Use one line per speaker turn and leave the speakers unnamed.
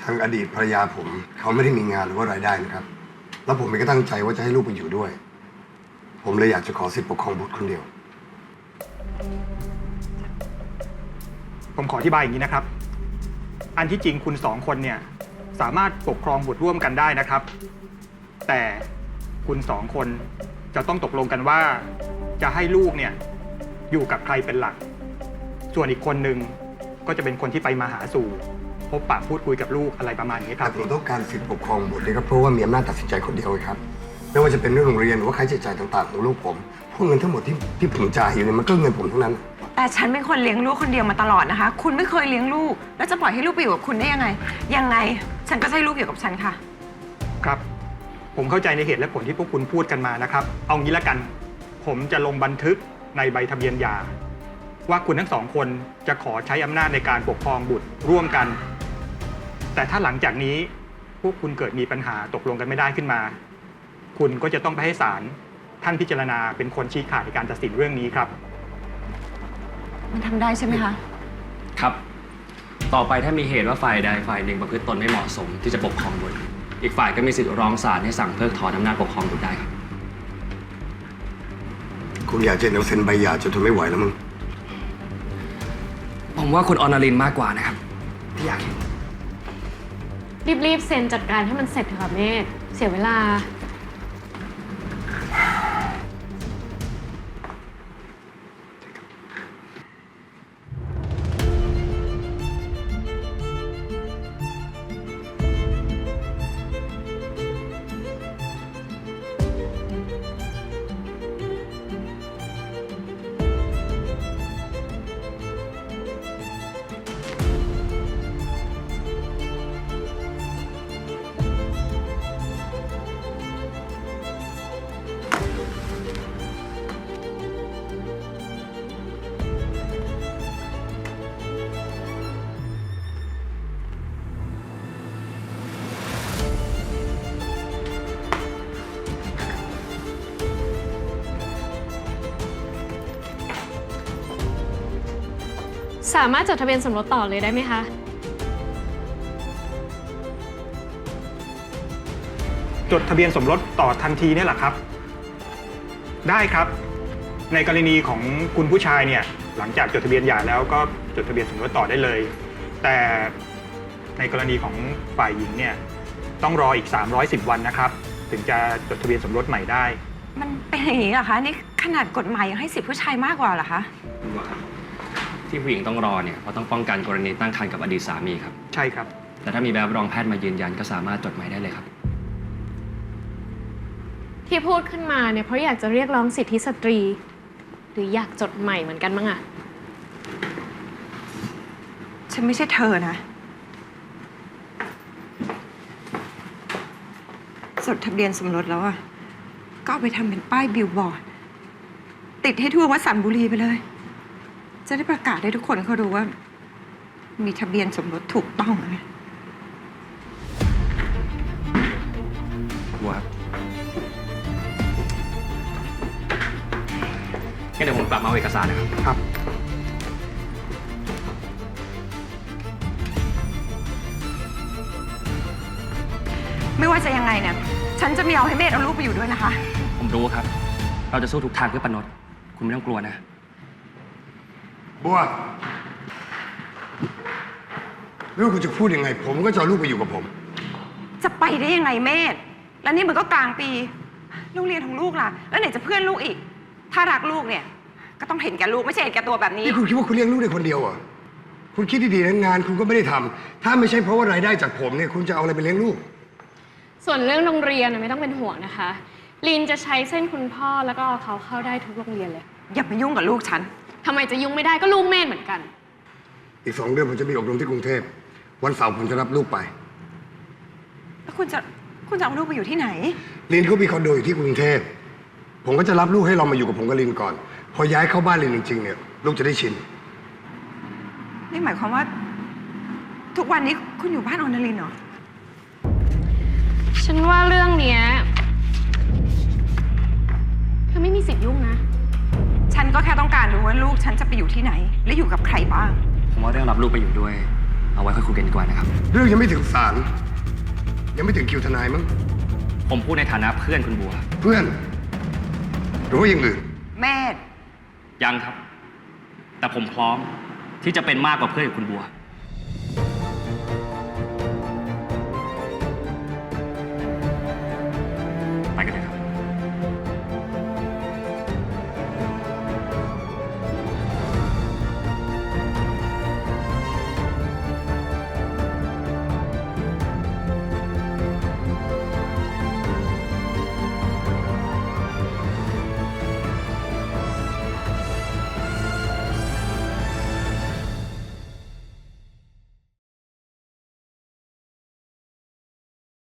ทางอดีตภรรยาผมเขาไม่ได้มีงานหรือว่ารายได้นะครับแล้วผมเองก็ตั้งใจว่าจะให้ลูกไปอยู่ด้วยผมเลยอยากจะขอสิทธิปกครองบุตรคนเดียว
ผมขออธิบายอย่างนี้นะครับ อันที่จริงคุณสองคนเนี่ยสามารถปกครองบุตรร่วมกันได้นะครับ แต่คุณสองคนจะต้องตกลงกันว่าจะให้ลูกเนี่ยอยู่กับใครเป็นหลัก ส่วนอีกคนหนึ่งก็จะเป็นคนที่ไปมาหาสู่พบปะพูดคุยกับลูกอะไรประมาณนี้ครับ
แต่ผมต้องการสิทธิปกครองบุตรนี่ก็เพราะว่ามีอำนาจตัดสินใจคนเดียวครับไม่ว่าจะเป็นเรื่องโรงเรียนหรือว่าค่าใช้จ่ายต่างๆของลูกผมพวกเงินทั้งหมดที่ผมจ่ายอยู่เนี่ยมันก็เงินผมทั้งนั้น
แต่ฉันเป็นคนเลี้ยงลูกคนเดียวมาตลอดนะคะคุณไม่เคยเลี้ยงลูกแล้วจะปล่อยให้ลูกไปอยู่กับคุณได้ยังไงฉันก็ให้ลูกอยู่กับฉันค่ะ
ครับผมเข้าใจในเหตุและผลที่พวกคุณพูดกันมานะครับเอางี้ละกันผมจะลงบันทึกในใบทะเบียนหย่าว่าคุณทั้งสองคนจะขอใช้อำนาจในการปกครองบุตรร่วมกันแต่ถ้าหลังจากนี้พวกคุณเกิดมีปัญหาตกลงกันไม่ได้ขึ้นมาคุณก็จะต้องไปให้ศาลท่านพิจารณาเป็นคนชี้ขาดในการตัดสินเรื่องนี้ครับ
มันทำได้ใช่ไหมคะ
ครับต่อไปถ้ามีเหตุว่าฝ่ายใดฝ่ายหนึ่งประพฤติตนไม่เหมาะสมที่จะปกครองบุตรอีกฝ่ายก็มีสิทธิ์ร้องศาลให้สั่งเพิกถอนอำนาจปกครองบุตรได้ครับ
คุณอยากจะเอาเซ็นใบหย่าจนทนไม่ไหวแล้วมึง
ผมว่าคุณอนาลินมากกว่านะครับที่อยากเห็น
รีบเซ็นจัดการให้มันเสร็จเถอะค่ะเมธเสียเวลาสามารถจดทะเบียนสมรสต่อเลยได้ไหมคะ
จดทะเบียนสมรสต่อทันทีเนี่ยแหละครับได้ครับในกรณีของคุณผู้ชายเนี่ยหลังจากจดทะเบียนหย่าแล้วก็จดทะเบียนสมรสต่อได้เลยแต่ในกรณีของฝ่ายหญิงเนี่ยต้องรออีก310วันนะครับถึงจะจดทะเบียนสมรสใหม่ได้
มันเป็นอย่างนี้เหรอคะนี่ขนาดกฎหมายยังให้สิทธิผู้ชายมากกว่าเหรอคะ
ที่ผู้หญิงต้องรอเนี่ยเพราะต้องป้องกันกรณีตั้งครรภ์กับอดีตสามีครับ
ใช่ครับ
แต่ถ้ามีใบรับรองแพทย์มายืนยันก็สามารถจดใหม่ได้เลยครับ
ที่พูดขึ้นมาเนี่ยเพราะอยากจะเรียกร้องสิทธิสตรีหรืออยากจดใหม่เหมือนกันมั้งอะ
ฉันไม่ใช่เธอนะจดทะเบียนสมรสแล้วอะก็เอาไปทำเป็นป้ายบิลบอร์ดติดให้ทั่ววัดสันบุรีไปเลยจะได้ประกาศให้ทุกคนเขารู้ว่ามีทะเบียนสมรสถูกต้องนะ
ครับงั้นเดี๋ยวผมกลับมาเอาเอกสารนะครับ
ครับ
ไม่ว่าจะยังไงเนี่ยฉันจะไม่เอาให้เมธเอาลูกไปอยู่ด้วยนะคะ
ผมรู้ครับเราจะสู้ทุกทางเพื่อปนดคุณไม่ต้องกลัวนะ
บัวไม่ว่าคุณจะพูดยังไงผมก็จะเอาลูกไปอยู่กับผม
จะไปได้ยังไงเมธแล้วนี่มันก็กลางปีโรงเรียนของลูกล่ะแล้วไหนจะเพื่อนลูกอีกถ้ารักลูกเนี่ยก็ต้องเห็นแก่ลูกไม่ใช่เห็นแก่ตัวแบบนี้
นี่คุณคิดว่าคุณเลี้ยงลูกได้คนเดียวเหรอคุณคิดดีๆนะงานคุณก็ไม่ได้ทำถ้าไม่ใช่เพราะว่ารายได้จากผมเนี่ยคุณจะเอาอะไรไปเลี้ยงลูก
ส่วนเรื่องโรงเรียนไม่ต้องเป็นห่วงนะคะลีนจะใช้เส้นคุณพ่อแล้วก็เขาเข้าได้ทุกโรงเรียนเลย
อย่ามายุ่งกับลูกฉัน
ทำไมจะยุ่งไม่ได้ก็ลูกแม่เหมือนกัน
อีก2 เดือนผมจะมีอบรมที่กรุงเทพวันเสาร์ผมจะรับลูกไป
แล้วคุณจะเอาลูกไปอยู่ที่ไหน
ลินเขามีคอนโดอยู่ที่กรุงเทพผมก็จะรับลูกให้เรามาอยู่กับผมกับลินก่อนพอย้ายเข้าบ้านลินจริงๆเนี่ยลูกจะได้ชิน
นี่หมายความว่าทุกวันนี้คุณอยู่บ้านอนาลินเหรอ
ฉันว่าเรื่องเนี้ยเธอไม่มีสิทธิ์ยุ่งนะ
ฉันก็แค่ต้องการรู้ว่าลูกฉันจะไปอยู่ที่ไหนและอยู่กับใครบ้าง
ผมว่าเรื่องรับลูกไปอยู่ด้วยเอาไว้ค่อยคุยกันดีกว่านะครับ
เรื่องยังไม่ถึงศาลยังไม่ถึงคิวทนายมั้ง
ผมพูดในฐานะเพื่อนคุณบัว
เพื่อน หรือว่าอย่างอื่น
เมธ
ยังครับ แต่ผมพร้อมที่จะเป็นมากกว่าเพื่อนกับคุณบัว